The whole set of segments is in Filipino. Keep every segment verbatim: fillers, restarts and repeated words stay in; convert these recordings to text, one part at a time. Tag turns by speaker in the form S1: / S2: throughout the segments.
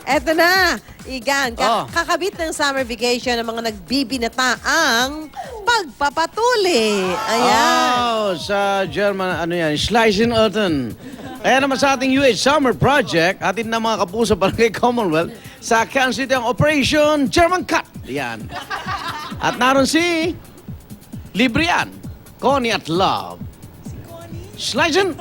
S1: Eto na, Igan, ka-
S2: Oh.
S1: kakabit ng summer vacation ng mga nagbibinataang pagpapatuli. Ayan.
S2: Oh, sa German, ano yan, Schleichen-Alten. Kaya naman sa ating U H Summer Project, atin na mga kapuso barangay Commonwealth, sa Kansas City ang Operation German Cut. Yan. At naroon si Librian, Connie at Love. Si Connie? Schleichen.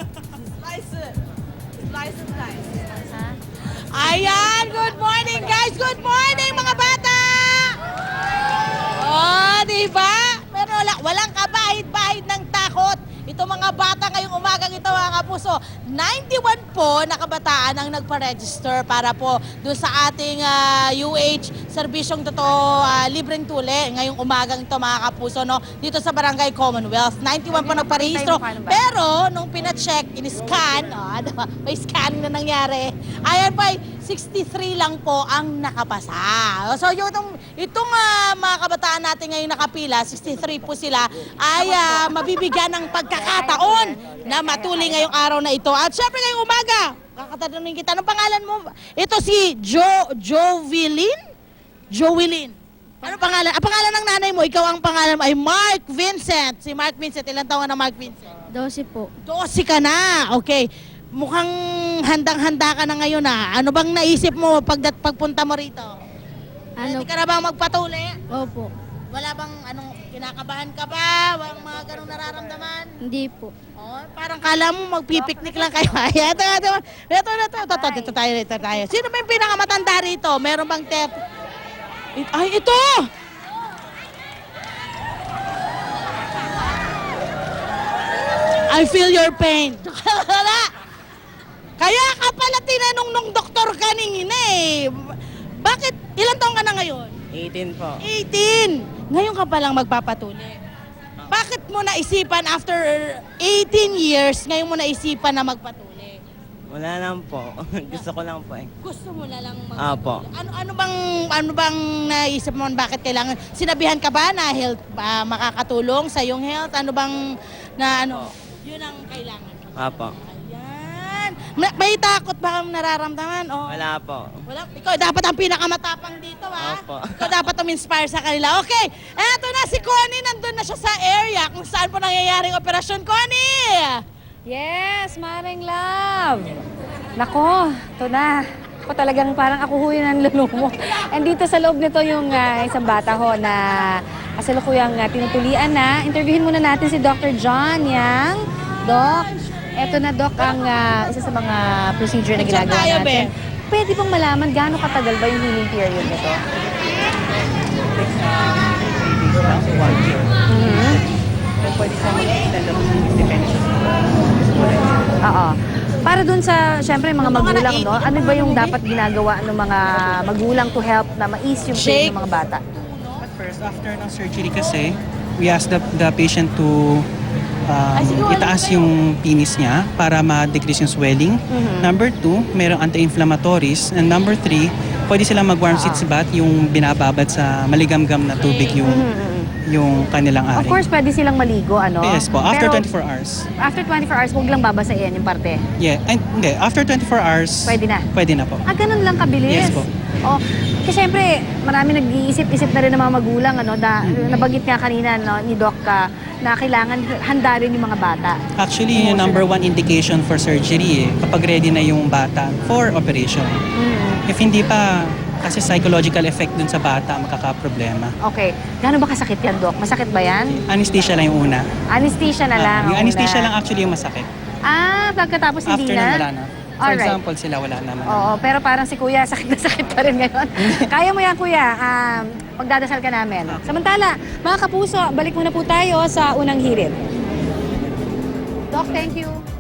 S3: Ayan, good morning guys! Good morning mga bata! Oh, di ba? Pero wala, walang kabahid-bahid ng takot. Ito mga bata ngayong umagang ito mga kapuso. ninety-one po na kabataan ang nagpa-register para po doon sa ating ah, U H serbisyong totoo ah, libreng tuli ngayong umagang ito mga kapuso no dito sa Barangay Commonwealth. ninety-one po nagpa-rehistro. Pero nung pina-check, in-scan, oh, ano ba? May scanning na nangyari. Ayan pa, sixty-three lang po ang nakapasa. So yung itong, itong ah, mga kabataan natin ngayon nakapila, sixty-three po sila, ay ah, mabibigyan ng pagkakataon na matuli ngayong araw na ito. At syempre ngayong umaga, kakatanungin kita, anong pangalan mo? Ito si Jo, Jovelyn? Jovelyn. Ano pangalan? Ang pangalan ng nanay mo, ikaw ang pangalan mo ay Mark Vincent. Si Mark Vincent, ilang taon na Mark Vincent?
S4: Dose po.
S3: Dose ka na. Okay. Mukhang handang-handa ka na ngayon ah. Ano bang naisip mo pag pagpunta mo rito?
S4: Ano?
S3: Hindi ka na bang magpatuli?
S4: Opo.
S3: Wala bang anong kinakabahan ka ba? Walang mga ganong nararamdaman?
S4: Hindi po.
S3: Oh, parang kala mo magpipiknik lang kayo. Ay, ito, ito, ito, ito, ito, ito, ito, ito tayo, ito tayo. Sino ba yung pinakamatanda rito? Meron bang tep? Ay, ito! I feel your pain. Wala. Kaya ka pala tinanong nung doktor kanina eh. Bakit? Ilan taong ka na ngayon?
S5: eighteen po.
S3: eighteen. Ngayon ka palang magpapatuli. Bakit mo naisipan after eighteen years, ngayon mo naisipan na magpatuli?
S5: Wala lang po. Gusto ko lang po eh.
S3: Gusto mo na lang
S5: Apo.
S3: magpatuli? Ano, ano bang, ano bang naisip mo bakit kailangan? Sinabihan ka ba na health, ah, makakatulong sa iyong health? Ano bang, na ano, yun ang kailangan?
S5: Apo.
S3: Ayan. Ma- May takot ba kang nararamdaman? O,
S5: Wala po.
S3: wala. Ikaw dapat ang pinakamatapang dito, ha?
S5: Opo.
S3: Ikaw dapat uminspire sa kanila. Okay, eto na si Connie. Nandun na siya sa area kung saan po nangyayaring operasyon. Connie!
S6: Yes, Maring Love. Nako, ito na. Ako talagang parang ako ho yun ang lulong mo. And dito sa loob nito yung ah, isang bata ho na kasalukuyang uh, tinutulian na. Interviewin muna natin si Doctor John Yang. Doc, eto na Doc ang ah, isa sa mga procedure na
S3: Diyan
S6: ginagawa
S3: tayo,
S6: natin. Pwede bang malaman gaano katagal ba yung healing period nito? Mhm.
S7: Pwede sa mga extend up depende sa
S6: Oo. Para dun sa, syempre, mga
S3: Ano nga
S6: magulang,
S3: na-
S6: no? Ano ba yung dapat ginagawa ng mga magulang to help na ma-ease yung pain
S3: Shake.
S6: ng mga bata?
S7: But first, after ng surgery kasi, we ask the, the patient to um, itaas yung penis niya para ma-decrease yung swelling. Number two, merong anti-inflammatories. And number three, pwede silang mag-warm seats bath, yung binababad sa maligamgam na tubig yung yung kanilang
S6: Of
S7: ari.
S6: course, pwede silang maligo, ano?
S7: Yes po, after
S6: Pero
S7: twenty-four hours.
S6: After twenty-four hours, huwag lang babasahin yung parte.
S7: Yeah, ay, hindi, after twenty-four hours,
S6: Pwede na.
S7: Pwede na po.
S6: Ah, ganun lang kabilis?
S7: Yes po.
S6: Oh, kasi syempre, marami nag-iisip-isip na rin ng mga magulang, ano, da, nabanggit nga kanina, no, ni Doc, ka, na kailangan handa rin yung mga bata.
S7: Actually, yung number one indication for surgery eh, kapag ready na yung bata for operation.
S6: Mm.
S7: If hindi pa, kasi psychological effect dun sa bata makakaproblema.
S6: Okay. Gaano ba kasakit yan, Doc? Masakit ba yan?
S7: Anesthesia lang yung una.
S6: Anesthesia na lang.
S7: Ah, yung
S6: ang
S7: anesthesia
S6: una.
S7: lang actually yung masakit.
S6: Ah, pagkatapos hindi
S7: After
S6: na?
S7: nun, wala na. For
S6: Alright.
S7: example, sila wala naman.
S6: Oo, pero parang si Kuya, sakit na sakit pa rin ngayon. Kaya mo yan, Kuya. Um, pagdadasal ka namin. Samantala, mga kapuso, balik muna po tayo sa unang hirit. Doc, thank you.